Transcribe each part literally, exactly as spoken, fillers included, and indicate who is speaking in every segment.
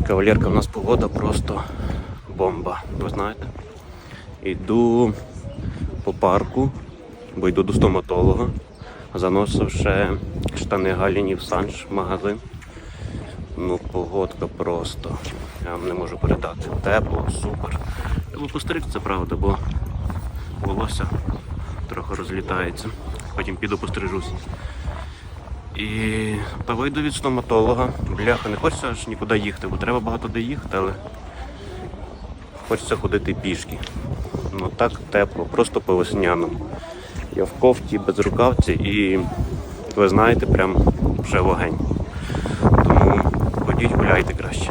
Speaker 1: Кавалерка, у нас погода просто бомба, ви знаєте. Йду по парку, бо йду до стоматолога. Заносив ще штани Галіні в Санж магазин. Ну, погодка просто, я вам не можу передати. Тепло, супер. Треба постригтися, правда, бо волосся трохи розлітається. Потім піду пострижусь. І та вийду від стоматолога. Бляха, не хочеться аж нікуди їхати, бо треба багато де їхати, але хочеться ходити пішки. Ну так тепло, просто по весняному. Я в кофті, без рукавці і, ви знаєте, прям вже вогень. Тому ходіть, гуляйте краще.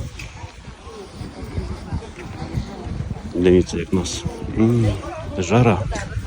Speaker 1: Дивіться, як у нас М-м, жара.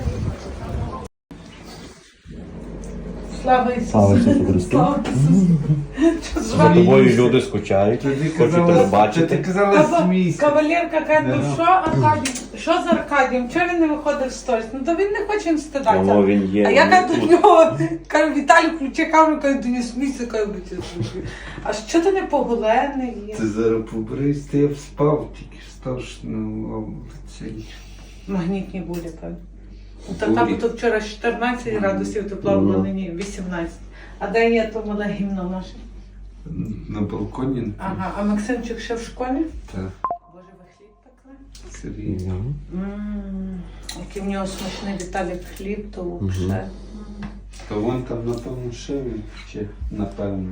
Speaker 2: Слава Ісусу!
Speaker 1: Слава Ісусу Христу!
Speaker 2: Слава Ісусу!
Speaker 1: За тобою люди скучають, хочуть тебе бачити.
Speaker 3: Ти казала смійся.
Speaker 2: Кавалерка каже, ну що Аркадій, що з Аркадієм? Чого він не виходив в сторіс? Ну то він не хоче їм стидатися.
Speaker 1: Воно він є.
Speaker 2: А я
Speaker 1: він
Speaker 2: кажу до
Speaker 1: тут.
Speaker 2: нього, кажу, Віталій, включи камеру, кажу, до нього смійся, кажу, будь слухай. А що ти не поголений є?
Speaker 3: Ти зараз побрись, ти я спав, тільки став ну, цей.
Speaker 2: Магнітні бурі, певно. Та там то вчора чотирнадцять градусів тепла було, нині вісімнадцять. А де є то мале гімно наше?
Speaker 3: На балконі.
Speaker 2: Ага, а Максимчик ще в школі?
Speaker 3: Так.
Speaker 2: Боже, ви хліб пекли?
Speaker 3: Сергій.
Speaker 2: Ммм, який в нього смачний Віталік хліб, то взагалі.
Speaker 3: То вон там на тому ще він ще, напевно.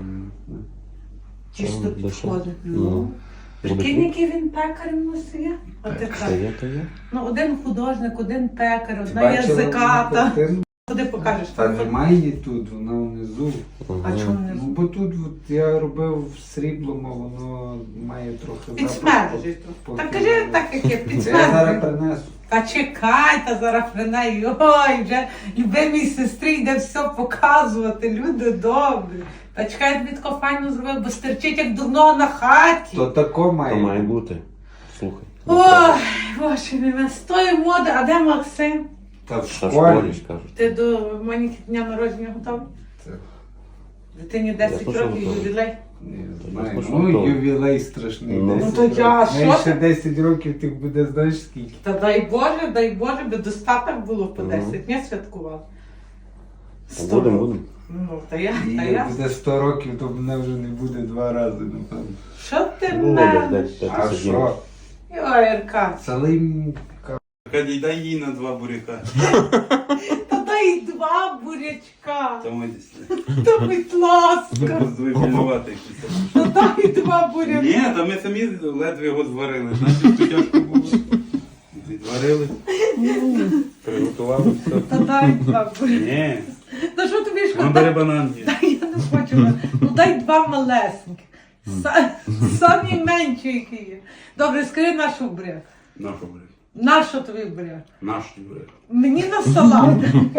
Speaker 2: Чисто
Speaker 1: Де що?
Speaker 2: підходить.
Speaker 1: Ну.
Speaker 2: Прикинь, який він пекар у нас є? А ти
Speaker 1: Та
Speaker 2: так.
Speaker 1: є, та є.
Speaker 2: Ну, один художник, один пекар,
Speaker 3: Ти
Speaker 2: одна
Speaker 3: бачила
Speaker 2: язиката.
Speaker 3: картину?
Speaker 2: Куди покажеш?
Speaker 3: Та немає її тут, вона внизу.
Speaker 2: А чому не?
Speaker 3: Ну, бо тут от, я робив сріблом, а воно має трохи
Speaker 2: Підсмержить.
Speaker 3: запах.
Speaker 2: Так кажи так, як є,
Speaker 3: Це я зараз
Speaker 2: підсмержить.
Speaker 3: принесу.
Speaker 2: Та чекай, та зараз принай. Ой, вже любимій сестрі йде все показувати, люди добрі. Та чекай, я тобі тако файно зробив, бо стерчить як дурного на хаті.
Speaker 3: То тако має.
Speaker 1: То має бути. Слухай.
Speaker 2: Ой, боже мій, з тої моди, а де Максим?
Speaker 3: Та в
Speaker 1: Та в
Speaker 3: школі.
Speaker 1: школі ж кажуть.
Speaker 2: Ти до маленького дня народження готовий?
Speaker 3: Так.
Speaker 2: Дитині
Speaker 1: Я
Speaker 2: десять
Speaker 1: теж
Speaker 2: років
Speaker 1: готовий.
Speaker 2: ювілей.
Speaker 3: Не
Speaker 1: Я
Speaker 3: знаю,
Speaker 1: слушав,
Speaker 3: ну
Speaker 1: то-
Speaker 3: ювілей страшний.
Speaker 1: Ну.
Speaker 3: десять
Speaker 2: Ну, то я,
Speaker 3: років.
Speaker 2: що
Speaker 3: Неї ще
Speaker 2: ти?
Speaker 3: десять років ти буде, знаєш скільки?
Speaker 2: Та дай Боже, дай Боже, би достаток було по
Speaker 1: Ну.
Speaker 2: десять днів святкував.
Speaker 1: Та
Speaker 2: Сто
Speaker 1: Будемо,
Speaker 2: років.
Speaker 1: будемо.
Speaker 2: Ну, та я,
Speaker 3: І
Speaker 2: та
Speaker 3: як
Speaker 2: я.
Speaker 3: буде сто років, то мене вже не буде два рази, напевно.
Speaker 2: Що ти
Speaker 1: Володя,
Speaker 2: мене?
Speaker 1: де- де ти
Speaker 3: А
Speaker 1: сидів?
Speaker 3: що?
Speaker 2: Ой, Аркад,
Speaker 3: Салим
Speaker 4: Аркадій, дай їй на два буряка.
Speaker 2: та дай два бурячка.
Speaker 4: Та митись.
Speaker 2: Та будь ласка,
Speaker 4: Звибілювати якісь.
Speaker 2: та дай два бурячка.
Speaker 4: Ні, та ми самі ледве його зварили. Значить, то тяжко було. Зварили, приготували все.
Speaker 2: Та дай два бурячка.
Speaker 4: Ні,
Speaker 2: Та що тобі
Speaker 4: вона бере
Speaker 2: шкода?
Speaker 4: бананки.
Speaker 2: Та я не хочу. Ну дай два малесенькі. Са- Самі менші, які є. Добре, скажи нашу буряк.
Speaker 4: Нашу буряк.
Speaker 2: Нащо тобі буряк?
Speaker 4: Наш буряк.
Speaker 2: Мені на салат.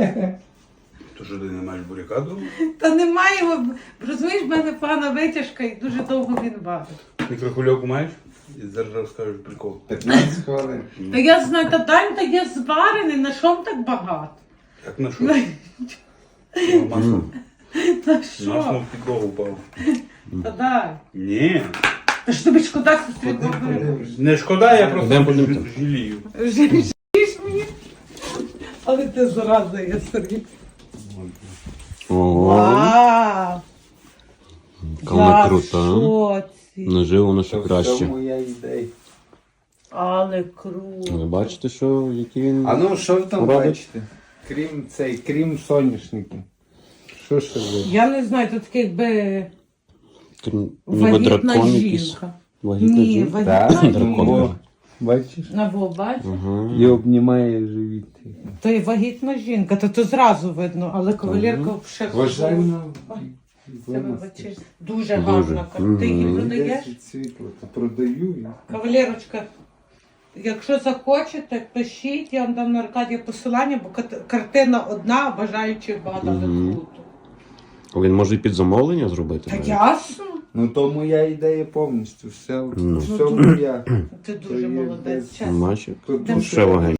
Speaker 4: То що ти не маєш буряка дома?
Speaker 2: Та немає його. Розумієш, в мене погана витяжка і дуже довго він варить.
Speaker 4: Мікрохвильовку маєш? І зараз розкажу прикол.
Speaker 3: п'ятнадцять хвилин.
Speaker 2: Та я знаю, та Дань, та є зварений, на що так багато?
Speaker 4: Як на що? На масло.
Speaker 2: Та
Speaker 4: На
Speaker 2: що?
Speaker 4: масло в підлогу впав.
Speaker 2: Та дай.
Speaker 4: Ні.
Speaker 2: Та ж тобі шкода, сестрі,
Speaker 3: Ходи, подивишся.
Speaker 4: Не шкода, я просто
Speaker 1: Йдемо подивимося.
Speaker 4: жалію.
Speaker 2: Жалієш мені? Але ти зараза є, Сергій.
Speaker 1: Ого,
Speaker 2: Вау!
Speaker 1: яка вона
Speaker 2: Я в
Speaker 1: крута.
Speaker 2: шоці.
Speaker 1: Наживо вона ще
Speaker 3: То в
Speaker 1: краще.
Speaker 3: цьому я ідея.
Speaker 2: Але круто.
Speaker 1: Ви бачите, що який він...
Speaker 3: А ну що ви там
Speaker 1: Робить?
Speaker 3: бачите? Крім цей, крім соняшників. Що ще ви?
Speaker 2: Я не знаю, тут таке якби
Speaker 1: Ніби
Speaker 2: вагітна
Speaker 1: дракон якийсь.
Speaker 2: жінка.
Speaker 1: Вагітна
Speaker 2: Ні,
Speaker 1: жінка.
Speaker 2: вагітна
Speaker 1: Дракон.
Speaker 2: жінка.
Speaker 3: Бачиш?
Speaker 2: На во, бачиш?
Speaker 1: Ага.
Speaker 3: І обнімає живіт.
Speaker 2: То є вагітна жінка, то то зразу видно, але кавалерка ще
Speaker 3: Вважально.
Speaker 2: Це вибачте. Дуже гарна картина. Ти її
Speaker 1: Мгм.
Speaker 2: продаєш?
Speaker 3: Світло, то продаю. я.
Speaker 2: Кавалерочка, якщо захочете, пишіть, я вам дам на Аркадія посилання, бо кат- картина одна, бажаючих багато, але
Speaker 1: Мгм.
Speaker 2: круто.
Speaker 1: Він може і під замовлення зробити?
Speaker 2: Та
Speaker 1: навіть?
Speaker 2: ясно,
Speaker 3: Ну то моя ідея повністю. Все,
Speaker 1: Ну.
Speaker 3: все моя.
Speaker 2: ти
Speaker 3: То
Speaker 2: дуже
Speaker 3: є
Speaker 2: молодець,
Speaker 3: без-
Speaker 2: чесно.
Speaker 1: Бачиш?
Speaker 3: Тут
Speaker 2: Де
Speaker 1: Ще вогонь.